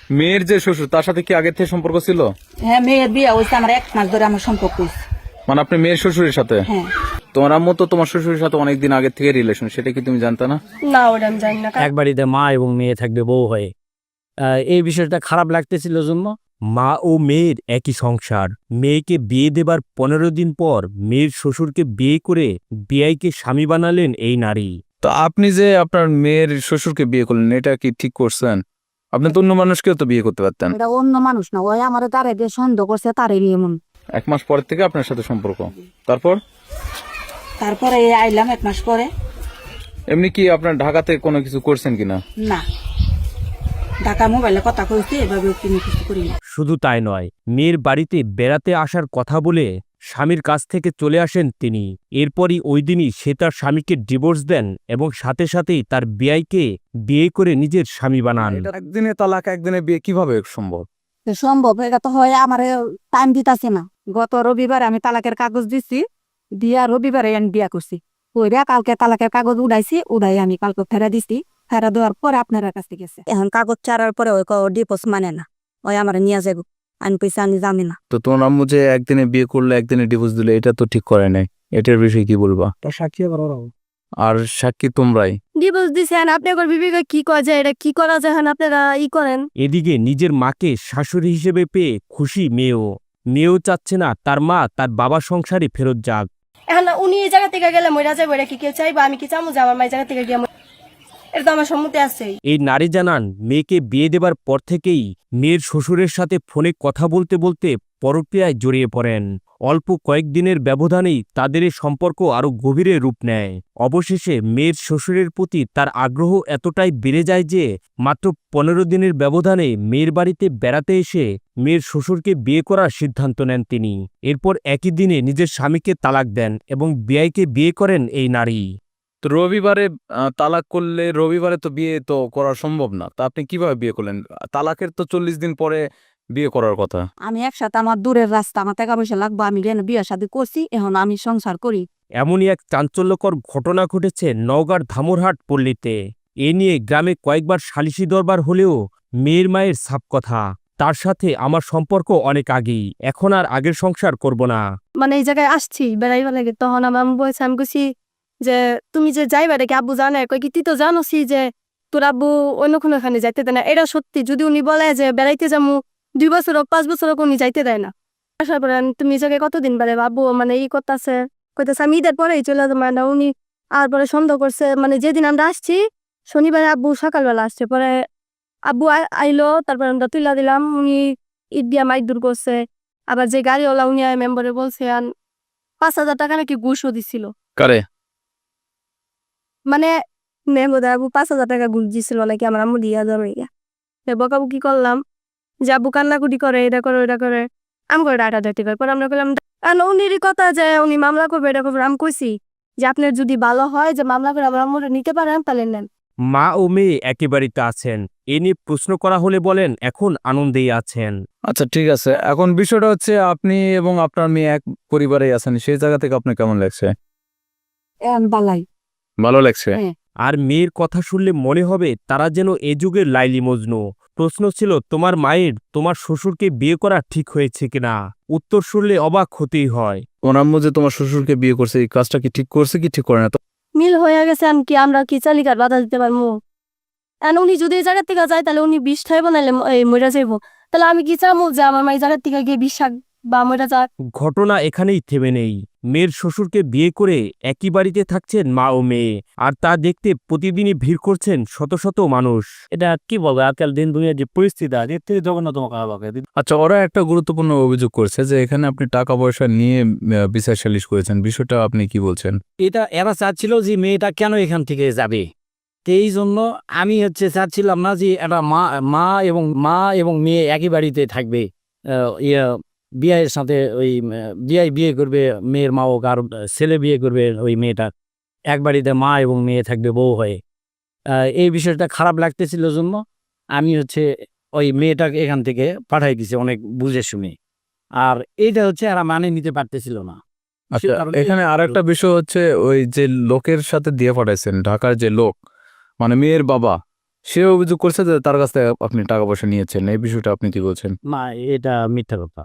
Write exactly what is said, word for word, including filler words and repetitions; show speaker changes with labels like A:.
A: মেয়ের যে শ্বশুর তার সাথে কি আগের থেকে সম্পর্ক ছিল?
B: হ্যাঁ, মেয়ের বিয়ে হয়েছে আমার এক মাস ধরে আমার সম্পর্ক হয়েছে।
A: মানে আপনি মেয়ের শ্বশুরের সাথে?
B: হ্যাঁ।
A: তোমার আম্মু তো তোমার শ্বশুরের সাথে অনেকদিন আগে থেকে রিলেশন, সেটা কি তুমি জানতে না?
B: না, ওটা আমি জানি না।
C: এক বাড়িতে মা এবং মেয়ে থাকবে বউ হয়ে, আহ, এই বিষয়টা খারাপ লাগতেছিল জন্য মা ও মেয়ের একই সংসার। মেয়েকে বিয়ে দেবার পনেরো দিন পর মেয়ের শ্বশুরকে বিয়ে করে বিয়াইকে স্বামী বানালেন এই নারী।
A: তো আপনি যে আপনার মেয়ের শ্বশুরকে বিয়ে করলেন, এটা কি ঠিক করছেন? আপনি তো অন্য মানুষকেও তো বিয়ে করতে পারতেন।
B: এটা অন্য মানুষ না, ওই আমার তারে দিয়ে সন্দেহ করছে, তারে বিয়ে মন।
A: এক মাস পর থেকে আপনার সাথে সম্পর্ক, তারপর
B: তারপরে এই আইলাম এক মাস পরে।
A: এমনি কি আপনার ঢাকাতে কোনো কিছু করছেন কিনা?
B: না, ঢাকা মোবাইলে কথা কইছি, এভাবে কোনো কিছু করি না।
C: শুধু তাই নয়, মেয়ের বাড়িতে বেড়াতে আসার কথা বলে স্বামীর কাছ থেকে চলে আসেন তিনি। এরপরই ওই দিনই সে তার স্বামীকে ডিভোর্স দেন এবং সাথে সাথেই তার বিয়াইকে বিয়ে করে নিজের স্বামী বানান।
A: একদিনে তালাক, একদিনে বিয়ে কিভাবে সম্ভব?
B: তো সম্ভব এটা তো হয়, আমার টাইম দিতাছে না। গত রবিবারে আমি তালাকের কাগজ দিছি, দিয়া রবিবারে আমি বিয়া করছি। ওইরা কালকে তালাকের কাগজ উড়াইছি, উড়াই আমি কালকে ফেরা দিছি। ফেরা দেওয়ার পরে আপনার কাছে গেছে। এখন কাগজ ছাড়ার পরে ওই ডিপোজ মানে না, ওই আমার নিয়ে যাবো, আমি পয়সা আমি জানি না।
A: তো তোমার আম্মু যে একদিনে বিয়ে করলে একদিনে ডিভোর্স দিলে, এটা তো ঠিক করে নাই। এটার বিষয়ে কি বলবা?
C: সাক্ষী
A: আর সাক্ষী তোমরাই।
B: ডিভোর্স দিছেন, আপনি একবার বিবেকে কি করা যায়, এটা কি করা যায়, আপনারা ই করেন।
C: এদিকে নিজের মাকে শাশুড়ি হিসেবে পেয়ে খুশি মেয়েও। মেয়েও চাচ্ছে না তার মা তার বাবার সংসারে ফেরত যাক।
D: এখন উনি এই জায়গা থেকে গেলে মরা যাবো, এটা কি কেউ চাইবো? আমি কি চামু যে আমার মায়ের জায়গা থেকে গিয়ে মরি? এটা তো আমার সম্মতি আছে।
C: এই নারী জানান, মেয়েকে বিয়ে দেবার পর থেকেই মেয়ের শ্বশুরের সাথে ফোনে কথা বলতে বলতে পরক্রিয়ায় জড়িয়ে পড়েন। অল্প কয়েকদিনের ব্যবধানেই তাদের এই সম্পর্ক আরও গভীরে রূপ নেয়। অবশেষে মেয়ের শ্বশুরের প্রতি তার আগ্রহ এতটাই বেড়ে যায় যে মাত্র পনেরো দিনের ব্যবধানে মেয়ের বাড়িতে বেড়াতে এসে মেয়ের শ্বশুরকে বিয়ে করার সিদ্ধান্ত নেন তিনি। এরপর একই দিনে নিজের স্বামীকে তালাক দেন এবং বিয়াইকে বিয়ে করেন এই নারী।
A: তো রবিবারে আহ, তালাক করলে রবিবারে তো বিয়ে তো করা সম্ভব না। তা আপনি কিভাবে বিয়ে করলেন? তালাকের তো চল্লিশ দিন পরে বিয়ে করার কথা।
B: আমি একসাথে, আমার দূরের রাস্তা, আমার টাকা পয়সা লাগবো, আমি রেন বিয়ে শাদী করছি, এখন আমি সংসার করি।
C: এমনই এক চাঞ্চল্যকর ঘটনা ঘটেছে নওগাঁর ধামুরহাট পল্লীতে। এ নিয়ে গ্রামে কয়েকবার সালিশি দরবার হলেও মেয়ের মায়ের সাপ কথা, তার সাথে আমার সম্পর্ক অনেক আগেই, এখন আর আগের সংসার করব না।
D: মানে এই জায়গায় আসছি বেড়াইবা লাগে, তখন আমার আম্মু বলছে, আমি কইছি যে তুমি যে যাইবা দেখি আব্বু জানে, কই কি তুই তো জানোসি যে তোর আব্বু অন্য কোনো ওখানে যাইতে দেয় না। এটা সত্যি, যদি উনি বলে যে বেড়াইতে যাবো দুই বছর হোক পাঁচ বছর হোক, উনি যাইতে দেয় না। আসার পরে আমি, তুমি এই জায়গায় কতদিন বেড়ে আব্বু মানে ই করতেছে, কইতেছে আমি ঈদের পরেই চলে যাবো না। উনি আর পরে সন্দেহ করছে, মানে যেদিন আমরা আসছি শনিবারে আব্বু সকালবেলা আসছে, পরে আব্বু আ- আইলো, তারপর আমরা তুইলা দিলাম, উনি ঈদ দিয়া মাইক দূর করছে। আবার যে গাড়িওয়ালা উনি মেম্বারে বলছে আন পাঁচ হাজার টাকা নাকি ঘুষও দিছিল।
A: কারে?
D: মানে মেম্বার আবু পাঁচ হাজার টাকা ঘুষ দিছিল নাকি আমার আম্মু দিয়া যাবে ইয়া। বকাবু কি করলাম যে আব্বু কান্নাকুটি করে, এটা করে ওটা করে, আমি করে ডাটা ডাটি করে। পরে আমরা করলাম উনিরই কথা যে উনি মামলা করবে, এটা করবে। আমি কইছি যে আপনার যদি ভালো হয় যে মামলা করে আমার আম্মুরে নিতে পারেন তাহলে নেন।
C: মা ও মেয়ে একেবারেই আছেন। এ নিয়ে প্রশ্ন করা হলে বলেন এখন আনন্দেই আছেন।
A: আচ্ছা, ঠিক আছে। এখন বিষয়টা হচ্ছে আপনি এবং আপনার মেয়ে এক পরিবারেই আছেন, সেই জায়গা থেকে আপনার কেমন লাগছে?
B: এখন বালাই
A: ভালো লাগছে?
B: হ্যাঁ।
C: আর মেয়ের কথা শুনলে মনে হবে তারা যেন এ যুগের লাইলি মজনু। প্রশ্ন ছিল, তোমার মায়ের তোমার শ্বশুরকে বিয়ে করা ঠিক হয়েছে কিনা? উত্তর শুনলে অবাক হতেই হয়।
A: ওর আম্মু যে তোমার শ্বশুরকে বিয়ে করছে, এই কাজটা কি ঠিক করছে কি ঠিক করে না? তো
D: মিল হয়ে গেছে, আমি কি আমরা কি চালিকার বাধা দিতে পারবো? এখন উনি যদি এই জায়গার থেকে যায় তাহলে উনি বিষ খাইব নাহলে এই মরে যাইব। তাহলে আমি কি চাবো যে আমার মা এই জায়গার থেকে গিয়ে বিষ খাক বা মরে যাক?
C: ঘটনা এখানেই থেমে নেই। মেয়ের শ্বশুরকে বিয়ে করে একই বাড়িতে থাকছেন মা ও মেয়ে, আর তা দেখতে প্রতিদিনই ভিড় করছেন শত শত মানুষ। এটা কি বলবো, আজকাল দিন দুনিয়ার যে পরিস্থিতি আছে এর থেকে জঘন্যতম খারাপ।
A: আচ্ছা, ওরা একটা গুরুত্বপূর্ণ অভিযোগ করছে যে এখানে আপনি টাকা পয়সা নিয়ে আহ, বিচার সালিশ করেছেন। বিষয়টা আপনি কি বলছেন?
E: এটা এরা চাচ্ছিল যে মেয়েটা কেন এখান থেকে যাবে, তো এই জন্য আমি হচ্ছে চাচ্ছিলাম না যে একটা মা মা এবং মা এবং মেয়ে একই বাড়িতে থাকবে। আহ, ইয়ে বিয়ের সাথে ওই বিয়ে বিয়ে করবে মেয়ের মা, হোক আর ছেলে বিয়ে করবে ওই মেয়েটার, এক বাড়িতে মা এবং মেয়ে থাকবে বউ হয়ে। আহ, এই বিষয়টা খারাপ লাগতেছিল জন্য আমি হচ্ছে ওই মেয়েটাকে এখান থেকে পাঠাই দিছি অনেক বুঝে শুনে। আর এইটা হচ্ছে এরা মানে নিতে পারতেছিল না।
A: আচ্ছা,
E: কারণ
A: এখানে
E: এই-
A: আর একটা বিষয় হচ্ছে ওই যে লোকের সাথে দিয়ে পাঠাইছেন, ঢাকার যে লোক, মানে মেয়ের বাবা, সে অভিযোগ করছে যে তার কাছ থেকে আপনি টাকা পয়সা নিয়েছেন, এই বিষয়টা আপনি কি বলছেন?
E: না এটা মিথ্যা কথা।